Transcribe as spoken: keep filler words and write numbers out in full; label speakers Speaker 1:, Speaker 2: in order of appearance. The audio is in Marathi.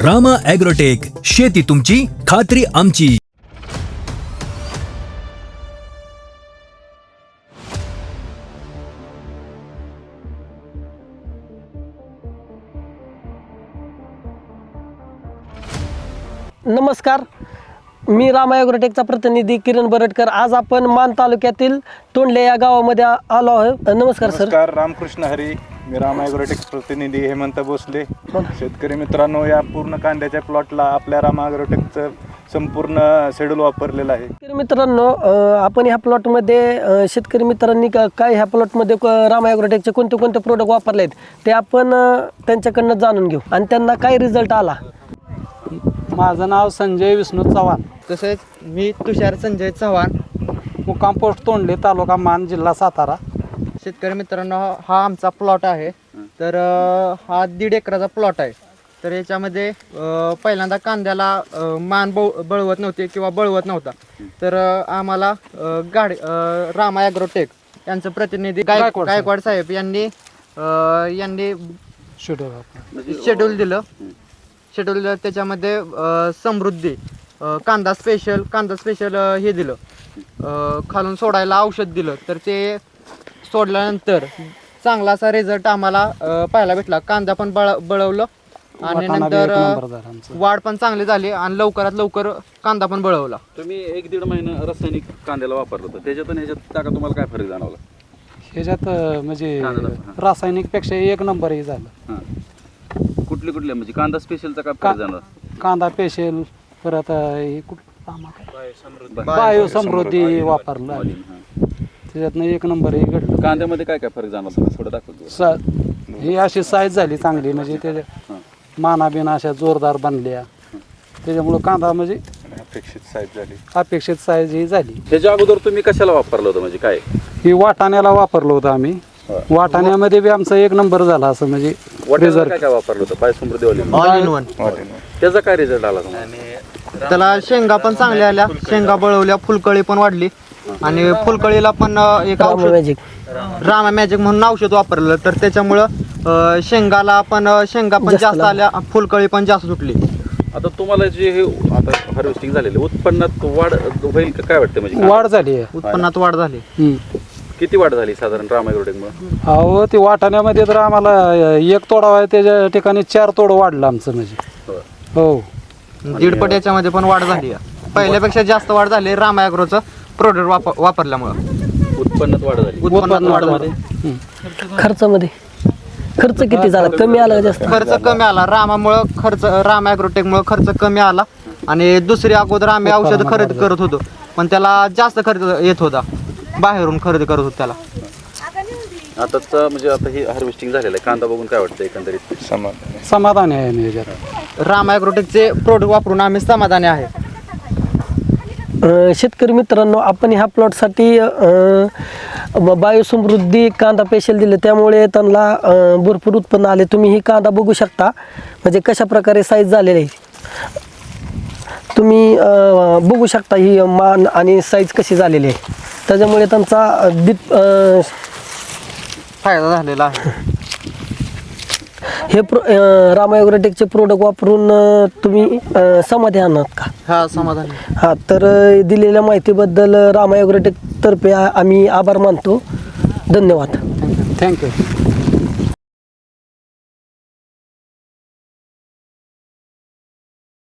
Speaker 1: रामा ॲग्रोटेक, शेती तुमची, खात्री आमची.
Speaker 2: नमस्कार, मी रामा ॲग्रोटेकचा प्रतिनिधी किरण बरटकर. आज आपण मान तालुक्यातील तोंडले या गावामध्ये आ- आलो आहोत. नमस्कार सर.
Speaker 3: नमस्कार, रामकृष्ण हरी. मी रामा ॲग्रोटेक प्रतिनिधी हेमंत भोसले. शेतकरी मित्रांनो, या पूर्ण कांद्याच्या प्लॉटला आपल्या रामा ॲग्रोटेकचं संपूर्ण शेड्यूल वापरलेलं आहे.
Speaker 2: शेतकरी मित्रांनो, अ, आपण ह्या प्लॉटमध्ये अ, शेतकरी मित्रांनी का- काय ह्या प्लॉटमध्ये क- रामा ॲग्रोटेकचे कोणते कोणते प्रोडक्ट वापरले आहेत ते आपण अ, त्यांच्याकडनं जाणून घेऊ आणि त्यांना काय रिझल्ट आला.
Speaker 4: माझं नाव संजय विष्णू चव्हाण,
Speaker 5: तसेच मी तुषार संजय चव्हाण.
Speaker 4: मुक्काम पोस्ट तोंडले, तालुका मान, जिल्हा सातारा.
Speaker 5: शेतकरी मित्रांनो, हा आमचा प्लॉट आहे. तर अ, हा दीड एकराचा प्लॉट आहे. तर याच्यामध्ये अ, पहिल्यांदा कांद्याला अ, मान बळ बळवत नव्हते किंवा बळवत नव्हता. तर अ, आम्हाला अ, गाडी अ, रामा ॲग्रोटेक यांचं प्रतिनिधी गाय
Speaker 4: गायकवाड साहेब.
Speaker 5: गायकवाड साहेब यांनी अ, यांनी
Speaker 4: शेड्यूल
Speaker 5: शेड्यूल दिलं शेड्यूल दिलं त्याच्यामध्ये अ, समृद्धी अ, कांदा स्पेशल कांदा स्पेशल अ, हे दिलं अ, खालून सोडायला औषध दिलं. तर ते सोडल्यानंतर चांगला असा रिझल्ट आम्हाला अ, पाहायला भेटला. कांदा पण बळ बळवलं आणि
Speaker 4: वाटाणा बी
Speaker 5: नंतर
Speaker 4: एक
Speaker 5: अ,
Speaker 4: नंबर झाला आमचा.
Speaker 5: वाढ पण चांगली झाली आणि लवकरात लवकर कांदा पण बळवला.
Speaker 6: तुम्ही एक दीड महिना रासायनिक कांद्याला वापरलं होतं, त्याच्यात आणि ह्याच्यात टाका तुम्हाला काय फरक जाणवला?
Speaker 4: ह्याच्यात अं, म्हणजे
Speaker 6: कांदा-
Speaker 4: रासायनिक पेक्षा एक नंबर हे झालं.
Speaker 6: हां, कुठले कुठले म्हणजे कांदा स्पेशलचा काय
Speaker 4: का-
Speaker 6: फरक जाणवला?
Speaker 4: कांदा पेशल, परत अं, हे कुठलं
Speaker 6: बा-
Speaker 4: बायो समृद्धी वापरलं आणि
Speaker 6: हां.
Speaker 4: त्याच्यातनं एक नंबर हे घडलं.
Speaker 6: कांद्यामध्ये काय काय फरक जाणवला तुम्ही थोडं दाखवतो?
Speaker 4: सा- ही अशी साईज झाली चांगली, म्हणजे त्याच्या
Speaker 6: हां.
Speaker 4: माना बिना अशा जोरदार बनल्या. त्याच्यामुळं कांदा म्हणजे
Speaker 3: अपेक्षित साईज झाली.
Speaker 4: अपेक्षित साईज ही झाली.
Speaker 6: ह्याच्या अगोदर तुम्ही कशाला वापरलं होतं, म्हणजे काय?
Speaker 4: ही वाटाण्याला वापरलं होतं आम्ही. वाटाण्यामध्ये बी आमचा एक नंबर झाला, असं म्हणजे
Speaker 6: वाटाण्याला
Speaker 4: रिझल्ट.
Speaker 6: काय काय वापरलं होतं? बायोसमृद्धी वाली
Speaker 5: ऑल इन वन.
Speaker 6: त्याचा काय रिझल्ट आला तुम्हाला?
Speaker 5: त्याला शेंगा पण चांगल्या आल्या, शेंगा बळवल्या, फुलकळी पण वाढली आणि फुलकळीला पण अ, एक
Speaker 2: रामा
Speaker 5: औषध
Speaker 2: मॅजिक
Speaker 5: रामा मॅजिक म्हणून औषध वापरलं. तर त्याच्यामुळं अ, शेंगाला पण अ, शेंगा पण
Speaker 2: जास्त
Speaker 5: जास्त
Speaker 2: लागल्या.
Speaker 5: आल्या, फुलकळी पण जास्त सुटली.
Speaker 6: आता तुम्हाला जे हे आता हार्वेस्टिंग झालेलं उत्पन्नात वाढ होईल का काय वाटतं? म्हणजे
Speaker 4: वाढ झाली आहे.
Speaker 5: उत्पन्नात वाढ झाली.
Speaker 4: हम्म.
Speaker 6: किती वाढ झाली साधारण रामा ॲग्रोटेकमुळे?
Speaker 4: अहो, ते वाटाण्यामध्ये तर आम्हाला एक तोडा आहे, त्याच्या ठिकाणी चार तोड वाढलं आमचं म्हणजे. हो,
Speaker 5: दीडपट याच्यामध्ये पण वाढ झाली आहे. पहिल्यापेक्षा जास्त वाढ झाली रामा ॲग्रोचं प्रोडक्ट वापर वापरल्यामुळं.
Speaker 6: उत्पन्नात वाढ झाली.
Speaker 5: उत्पन्नात वाढ झाली.
Speaker 2: खर्चामध्ये खर्च किती झाला, कमी आला का जास्त?
Speaker 5: खर्च कमी आला रामामुळं. खर्च रामा ॲग्रोटेकमुळं खर्च कमी आला. आणि दुसरी अगोदर आम्ही औषध खरेदी करत होतो, पण त्याला जास्त खर्च येत होता. बाहेरून खरेदी करत होतो त्याला.
Speaker 6: आताच म्हणजे आता हे हार्वेस्टिंग झालेलं आहे, कांदा बघून काय वाटतं एकंदरीत?
Speaker 3: समाधान.
Speaker 4: समाधानी आहे मी याच्यात.
Speaker 5: रामा ॲग्रोटेकचे प्रोडक्ट वापरून आम्ही समाधानी आहे.
Speaker 2: अ, शेतकरी मित्रांनो, आपण ह्या प्लॉटसाठी बायोसमृद्धी कांदा पेशल दिले, त्यामुळे त्यांना अ, भरपूर उत्पन्न आले. तुम्ही ही कांदा बघू शकता, म्हणजे कशा प्रकारे साईज झालेली आहे. तुम्ही अ, बघू शकता ही मान आणि साईज कशी झालेली आहे. त्याच्यामुळे त्यांचा अ, दीप अ,
Speaker 5: फायदा झालेला आहे.
Speaker 2: हे प्रो अ, रामा ॲग्रोटेकचे प्रोडक्ट वापरून अ, तुम्ही अ, समाधानी आहात का?
Speaker 5: हा, समाधानी.
Speaker 2: हां, तर अ, दिलेल्या माहितीबद्दल रामा ॲग्रोटेकतर्फे आ- आम्ही आभार मानतो. धन्यवाद.
Speaker 4: थँक्यू.